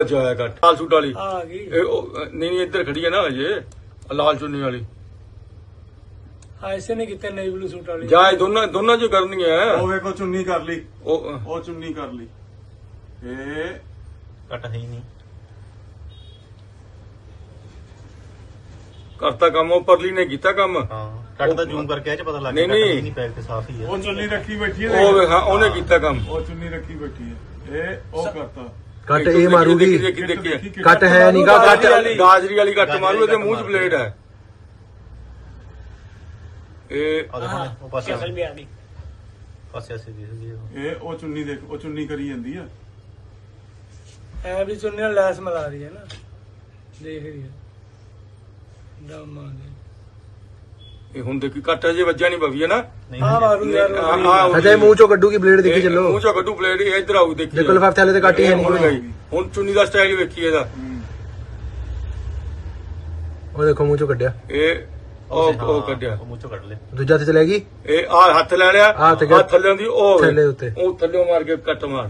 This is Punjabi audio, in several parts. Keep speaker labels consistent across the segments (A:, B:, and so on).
A: ਜਾਇਆ ਕੱਟ ਲਾਲ ਸੂਟ ਵਾਲੀ
B: ਆ ਗਈ
A: ਨਹੀਂ ਇੱਧਰ ਖੜੀ ਹੈ ਨਾ ਅਜੇ ਲਾਲ ਚੁੰਨੀ ਵਾਲੀ
B: ऐसे नहीं कितने नई ब्लू सूट वाली
A: ਜਾਏ ਦੋਨਾਂ ਚ ਕਰਨੀ ਹੈ
C: ਉਹ ਵੇਖੋ ਚੁੰਨੀ ਕਰ ਲਈ
A: ਉਹ
C: ਉਹ ਚੁੰਨੀ ਕਰ ਲਈ ਇਹ
D: ਕੱਟ ਹੈ ਹੀ ਨਹੀਂ
A: ਕਰਤਾ ਕੰਮ ਉਹ ਪਰਲੀ ਨੇ ਕੀਤਾ ਕੰਮ
D: ਹਾਂ ਕੱਟ ਦਾ ਜ਼ੂਮ ਕਰਕੇ ਇਹ ਚ ਪਤਾ ਲੱਗ
A: ਨਹੀਂ,
D: ਗਿਆ ਕੱਟ
A: ਨਹੀਂ।
D: ਨਹੀਂ ਪੈਕ ਤੇ ਸਾਫ ਹੀ ਹੈ
C: ਉਹ ਚੁੰਨੀ ਰੱਖੀ ਬੈਠੀ ਹੈ
A: ਉਹ ਹਾਂ ਉਹਨੇ ਕੀਤਾ ਕੰਮ
C: ਉਹ ਚੁੰਨੀ ਰੱਖੀ ਬੈਠੀ ਹੈ ਇਹ ਉਹ ਕਰਤਾ
E: ਕੱਟ ਇਹ ਮਾਰੂਗੀ
A: ਦੇਖੀ
E: ਕੱਟ ਹੈ ਨੀਗਾ ਕੱਟ
A: ਗਾਜਰੀ ਵਾਲੀ ਕੱਟ ਮਾਰੂ ਇਹਦੇ ਮੂੰਹ 'ਚ ਬਲੇਡ ਹੈ ਇਹ
D: ਉਹ ਦੇਖੋ ਉਹ ਪਾਸੇ
B: शक्ल भी आ गई
D: ਪਾਸੇ ਅਸੀਂ ਦਿਖਦੀ ਹੈ
C: ਇਹ ਉਹ ਚੁੰਨੀ ਦੇਖ ਉਹ ਚੁੰਨੀ ਕਰੀ ਜਾਂਦੀ ਆ
B: ऐ भी चुन्नी और लैस मिला रही है ना देख रही है दम आ गई
A: ਇਹ ਹੁਣ ਦੇਖੀ ਕੱਟ ਅਜੇ ਵੱਜਿਆ ਨਹੀਂ ਬਵੀ ਹੈ ਨਾ
D: ਨਹੀਂ
B: हाँ मारू यार
A: ਹਾਂ
E: ਅਜੇ ਮੂੰਹ ਚੋਂ ਕੱਢੂਗੀ ਬਲੇਡ ਦੇਖੀ ਚੱਲੋ
A: ਮੂੰਹ 'ਚੋਂ ਕੱਢੂ ਬਲੇਡ ਇਹ ਇੱਧਰ ਆਊ ਦੇਖੀ
E: ਦੇਖੋ ਲਿਫਾਫੇ ਵਾਲੇ ਤੇ ਕੱਟ ਹੀ ਹੈ
A: ਹੁਣ
E: ਨਹੀਂ
A: ਗਈ ਹੁਣ ਚੁੰਨੀ ਦਾ ਸਟਾਈਲ ਵੇਖੀ ਇਹਦਾ
E: ਉਹ ਦੇਖੋ ਮੂੰਹ ਚੋਂ ਕੱਢਿਆ
A: ਇਹ ਉਹ ਕੱਢਿਆ
D: ਉਹ ਮੂੰਹ ਚੋਂ ਕੱਢ ਲੈ
E: ਦੂਜਾ ਤੇ ਚਲੇਗੀ
A: ਇਹ ਆ ਹੱਥ ਲੈ ਲਿਆ
E: ਆਹ ਤੇ ਗਿਆ।
A: ਥੱਲੇ ਦੀ ਉਹ ਵੇ।
E: ਥੱਲੇ ਉੱਤੇ।
A: ਉਹ ਥੱਲੇ ਮਾਰ ਕੇ ਕੱਟ ਮਾਰ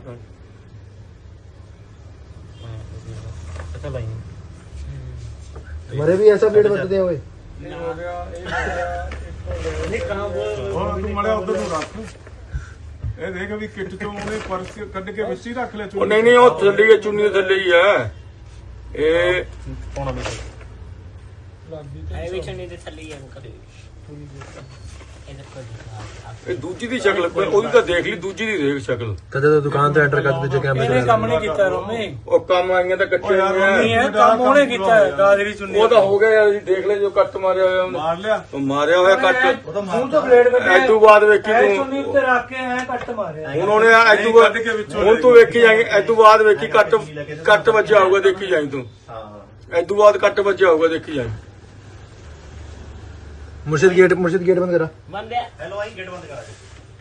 D: ਅੱਛਾ ਲਾਈਨ
E: ਮਰੇ ਵੀ ਐਸਾ ਬਲੇਡ ਵੱਜਦੇ ਹੋਏ
B: नहीं हो गया एक हो गया एक हो गया नहीं कहाँ वो
C: ਉਹ ਤੂੰ ਮੜਿਆ ਉਧਰ ਨੂੰ ਰੱਖ ਇਹ ਦੇਖ ਵੀ ਕਿੱਟ ਚੋਂ ਉਹਨੇ ਪਰਸ ਕੱਢ ਕੇ ਵਿੱਚ ਹੀ ਰੱਖ ਲਿਆ
A: ਉਹ ਨਹੀਂ ਉਹ ਥੱਲੇ ਹੀ ਹੈ, ਚੁੰਨੀ ਦੇ ਥੱਲੇ ਹੀ ਹੈ ਇਹ
D: ਪਾਉਣਾ ਵੀ
B: लग गई
F: ਐ ਵੀ ਚੰਨੀ ਦੇ ਥੱਲੇ ਹੀ ਆ ਕਦੇ ਇਧਰ ਕੋਈ
A: ਇਹ ਦੂਜੀ ਦੀ ਸ਼ਕਲ ਉਹਦੀ ਤਾਂ ਦੇਖ ਲਈ ਦੂਜੀ ਦੀ ਦੇਖ ਸ਼ਕਲ
E: ਕਦੇ ਤਾਂ ਦੁਕਾਨ ਤੇ ਐਂਟਰ ਕਰਦੇ ਜੇ ਕੈਮਰੇ
B: ਇਹਨੇ ਕੰਮ
E: ਚਲਾ
B: ਨਹੀਂ ਕੀਤਾ ਰੋਮੀ
A: ਉਹ ਕੰਮ ਆਈਆਂ ਤਾਂ ਕੱਚੇ
C: ਉਹ ਯਾਰ
A: ਹੋਏ
B: ਨਹੀਂ
A: ਆ।
B: ਹੈ ਕੰਮ ਉਹਨੇ ਕੀਤਾ ਹੈ ਗਾਜਰੀ ਚੁੰਨੀ
A: ਉਹ ਤਾਂ ਹੋ ਗਿਆ ਯਾਰ ਅਸੀਂ ਦੇਖ ਲੈ ਜੋ ਕੱਟ ਮਾਰਿਆ ਹੋਇਆ ਉਹਨੇ
C: ਮਾਰ ਲਿਆ
A: ਉਹ ਮਾਰਿਆ ਹੋਇਆ ਕੱਟ
B: ਹੁਣ ਤਾਂ ਬਲੇਡ ਕੱਟਿਆ
A: ਐ ਤੋਂ ਬਾਅਦ ਵੇਖੀ
B: ਐ
A: ਤੂੰ
B: ਚੁੰਨੀ ਉੱਤੇ ਰੱਖ ਕੇ ਐ ਕੱਟ ਮਾਰਿਆ
A: ਹੁਣ ਉਹਨੇ ਐ ਤੋਂ
C: ਕੱਢ ਕੇ ਵਿੱਚੋਂ
A: ਹੁਣ ਤੂੰ ਵੇਖੀ ਜਾਏਂਗੇ ਐ ਤੋਂ ਬਾਅਦ ਵੇਖੀ ਕੱਟ ਵੱਜਿਆ ਹੋਊਗਾ ਦੇਖੀ ਜਾਈਂ ਤੂੰ
D: ਹਾਂ
A: ਐ ਤੋਂ ਬਾਅਦ ਕੱਟ ਵੱਜਿਆ ਹੋਊਗਾ ਦੇਖੀ ਜਾਈਂ
E: ਮੁਰਸ਼ਿਦ ਗੇਟ ਬੰਦ ਕਰਾ
F: ਬੰਦ ਹੈ
D: ਹੈਲੋ ਆਈ ਗੇਟ ਬੰਦ ਕਰਾ ਦੇ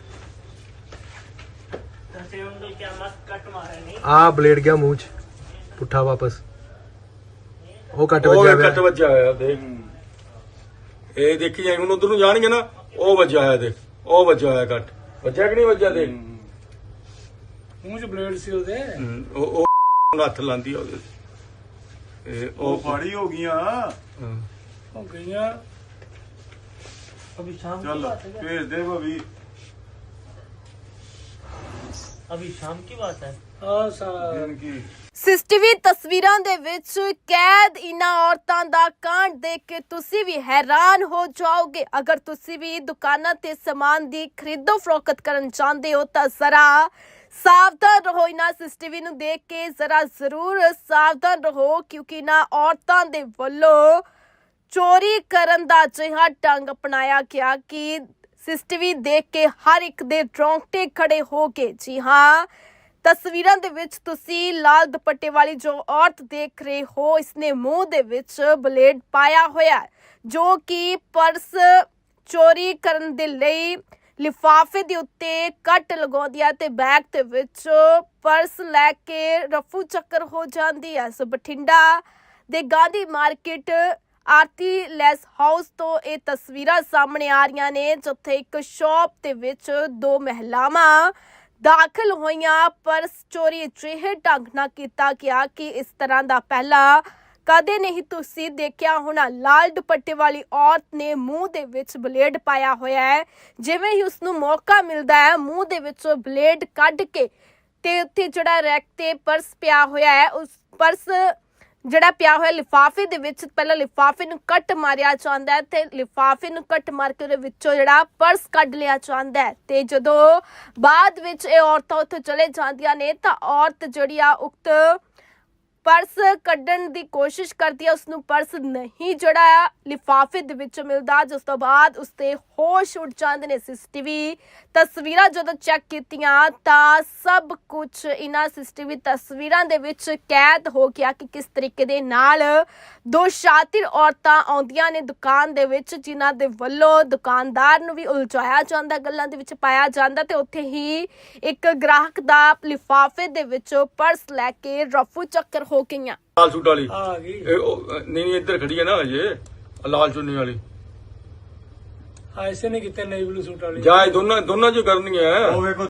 F: ਤਸੇ ਉਂਗਲ ਕੀ ਮਸਤ ਕੱਟ ਮਾਰੇ ਨਹੀਂ
E: ਆ ਬਲੇਡ ਗਿਆ ਮੂੰਹ ਚ ਪੁੱਠਾ ਵਾਪਸ ਉਹ ਕੱਟ
A: ਉਹ
E: ਵੱਜਿਆ
A: ਕੱਟ
E: ਹੋਇਆ
A: ਵੱਜਿਆ ਹੋਇਆ ਦੇਖ ਇਹ ਦੇਖੀ ਜਾਈਂ ਹੁਣ ਉਧਰ ਨੂੰ ਜਾਣਗੇ ਨਾ ਉਹ ਵੱਜਿਆ ਹੋਇਆ ਦੇਖ ਉਹ ਵੱਜਿਆ ਹੋਇਆ ਕੱਟ ਵੱਜਿਆ ਕਿ ਨਹੀਂ ਵੱਜਿਆ ਦੇਖ
B: ਮੂੰਹ 'ਚ ਬਲੇਡ ਸੀ ਉਹਦੇ
A: ਉਹ ਹੱਥ ਲਾਂਦੀ ਆ ਉਹਦੇ ਇਹ
C: ਉਹ
A: ਉਹ
C: ਫਾੜੀ ਹੋ ਗਈਆਂ
A: ਹਾਂ।
B: ਹੋ ਗਈਆਂ
F: ਅਭੀ ਸ਼ਾਮ
C: ਚੱਲ ਭੇਜ ਦੇ ਭਾਵੀ
F: ਅਭੀ ਸ਼ਾਮ ਕੀ ਬਾਤ ਹੈ
B: ਹਾਂ ਸਾ
C: ਦਿਨ ਕੀ
G: ਸੀਸੀਟੀਵੀ ਤਸਵੀਰਾਂ ਦੇ ਵਿੱਚ ਕੈਦ ਇਨ੍ਹਾਂ ਔਰਤਾਂ ਦਾ ਕਾਂਡ ਦੇਖ ਕੇ ਤੁਸੀਂ ਵੀ ਹੈਰਾਨ ਹੋ ਜਾਓਗੇ। ਅਗਰ ਤੁਸੀਂ ਵੀ ਦੁਕਾਨਾਂ ਤੇ ਸਮਾਨ ਦੀ ਖਰੀਦੋ ਫਰੋਖਤ ਕਰਨ ਚਾਹੁੰਦੇ ਹੋ ਤਾਂ ਜ਼ਰਾ ਸਾਵਧਾਨ ਰਹੋ। ਇਨ੍ਹਾਂ ਸੀਸੀਟੀਵੀ ਨੂੰ ਦੇਖ ਕੇ ਜ਼ਰਾ ਜ਼ਰੂਰ ਸਾਵਧਾਨ ਰਹੋ ਕਿਉਂਕਿ ਇਨ੍ਹਾਂ ਔਰਤਾਂ ਦੇ ਵੱਲੋਂ ਚੋਰੀ ਕਰਨ ਦਾ ਅਜਿਹਾ ਢੰਗ ਅਪਣਾਇਆ ਗਿਆ ਕਿ ਸੀਸੀਟੀਵੀ ਦੇਖ ਕੇ ਹਰ ਇੱਕ ਦੇ ਰੌਂਗਟੇ ਖੜੇ ਹੋ ਗਏ। ਜੀ ਹਾਂ, ਤਸਵੀਰਾਂ ਦੇ ਵਿੱਚ ਤੁਸੀਂ ਲਾਲ ਦੁਪੱਟੇ ਵਾਲੀ ਜੋ ਔਰਤ ਦੇਖ ਰਹੇ ਹੋ, ਇਸਨੇ ਮੂੰਹ ਦੇ ਵਿੱਚ ਬਲੇਡ ਪਾਇਆ ਹੋਇਆ ਹੈ ਜੋ ਕਿ ਪਰਸ ਚੋਰੀ ਕਰਨ ਦੇ ਲਈ ਲਿਫਾਫੇ ਦੇ ਉੱਤੇ ਕੱਟ ਲਗਾਉਂਦੀ ਹੈ ਤੇ ਬੈਗ ਦੇ ਵਿੱਚ ਪਰਸ ਲੈ ਕੇ ਰਫੂ ਚੱਕਰ ਹੋ ਜਾਂਦੀ ਹੈ। ਸੋ ਬਠਿੰਡਾ ਦੇ Gandhi market Aarti lace house ਤੋਂ ਇਹ ਤਸਵੀਰਾਂ ਸਾਹਮਣੇ ਆ ਰਹੀਆਂ ਨੇ ਜਿੱਥੇ ਇੱਕ ਸ਼ਾਪ ਦੇ ਵਿੱਚ ਦੋ ਮਹਿਲਾਵਾਂ ਦਾਖਲ ਹੋਈਆਂ। ਪਰਸ ਚੋਰੀ ਅਜਿਹੇ ਢੰਗ ਨਾਲ ਕੀਤਾ ਗਿਆ ਕਿ ਇਸ ਤਰ੍ਹਾਂ ਦਾ ਪਹਿਲਾਂ ਕਦੇ ਨਹੀਂ ਤੁਸੀਂ ਦੇਖਿਆ ਹੋਣਾ। ਲਾਲ ਦੁਪੱਟੇ ਵਾਲੀ ਔਰਤ ਨੇ ਮੂੰਹ ਦੇ ਵਿੱਚ ਬਲੇਡ ਪਾਇਆ ਹੋਇਆ ਹੈ। ਜਿਵੇਂ ਹੀ ਉਸ ਨੂੰ ਮੌਕਾ ਮਿਲਦਾ ਹੈ ਮੂੰਹ ਦੇ ਵਿੱਚੋਂ ਬਲੇਡ ਕੱਢ ਕੇ ਤੇ ਉੱਥੇ ਜਿਹੜਾ ਰੈਕ ਤੇ ਪਰਸ ਪਿਆ ਹੋਇਆ ਹੈ ਉਸ ਪਰਸ ਜਿਹੜਾ ਪਿਆ ਹੋਇਆ ਲਿਫਾਫੇ ਦੇ ਵਿੱਚ ਪਹਿਲਾਂ ਲਿਫਾਫੇ ਨੂੰ ਕੱਟ ਮਾਰਿਆ ਜਾਂਦਾ ਹੈ ਤੇ ਲਿਫਾਫੇ ਨੂੰ ਕੱਟ ਮਾਰ ਕੇ ਉਹਦੇ ਵਿੱਚੋਂ ਜਿਹੜਾ ਪਰਸ ਕੱਢ ਲਿਆ ਜਾਂਦਾ ਹੈ ਤੇ ਜਦੋਂ ਬਾਅਦ ਵਿੱਚ ਇਹ ਔਰਤਾਂ ਉੱਥੇ ਚਲੇ ਜਾਂਦੀਆਂ ਨੇ ਤਾਂ ਔਰਤ ਜਿਹੜੀ ਆ ਉਕਤ ਪਰਸ ਕੱਢਣ ਦੀ ਕੋਸ਼ਿਸ਼ ਕਰਦੀ ਹੈ। ਉਸਨੂੰ ਪਰਸ ਨਹੀਂ ਜਿਹੜਾ ਲਿਫਾਫੇ ਦੇ ਵਿੱਚ ਮਿਲਦਾ ਜਿਸ ਤੋਂ ਬਾਅਦ ਉਸਦੇ ਹੋਸ਼ ਉੱਡ ਜਾਂਦੇ ਨੇ। ਸੀਸੀਟੀਵੀ ਤਸਵੀਰਾਂ ਜਦੋਂ ਚੈੱਕ ਕੀਤੀਆਂ ਤਾਂ ਸਭ ਕੁਝ ਇਹਨਾਂ ਸੀਸੀਟੀਵੀ ਤਸਵੀਰਾਂ ਦੇ ਵਿੱਚ ਕੈਦ ਹੋ ਗਿਆ ਕਿ ਕਿਸ ਤਰੀਕੇ ਦੇ ਨਾਲ ਦੋ ਸ਼ਾਤਿਰ ਔਰਤਾਂ ਆਉਂਦੀਆਂ ਨੇ ਦੁਕਾਨ ਦੇ ਵਿੱਚ ਜਿਨ੍ਹਾਂ ਦੇ ਵੱਲੋਂ ਦੁਕਾਨਦਾਰ ਨੂੰ ਵੀ ਉਲਝਾਇਆ ਜਾਂਦਾ, ਗੱਲਾਂ ਦੇ ਵਿੱਚ ਪਾਇਆ ਜਾਂਦਾ ਤੇ ਉੱਥੇ ਹੀ ਇੱਕ ਗ੍ਰਾਹਕ ਦਾ ਲਿਫਾਫੇ ਦੇ ਵਿੱਚੋਂ ਪਰਸ ਲੈ ਕੇ ਰਫੂ ਚੱਕਰ ਹੋ ਗਈਆਂ।
A: ਲਾਲ ਸੂਟ ਵਾਲੀ
B: ਆ ਗਈ
A: ਇਹ ਨਹੀਂ ਇੱਧਰ ਖੜੀ ਹੈ ਨਾ ਅਜੇ ਲਾਲ ਚੁੰਨੀ ਵਾਲੀ
B: ऐसे नहीं कितने नई ब्लू सूट वाली
A: ਜਾਏ ਦੋਨਾਂ ਚ ਕਰਨੀ ਹੈ
C: ਉਹ ਵੇਖੋ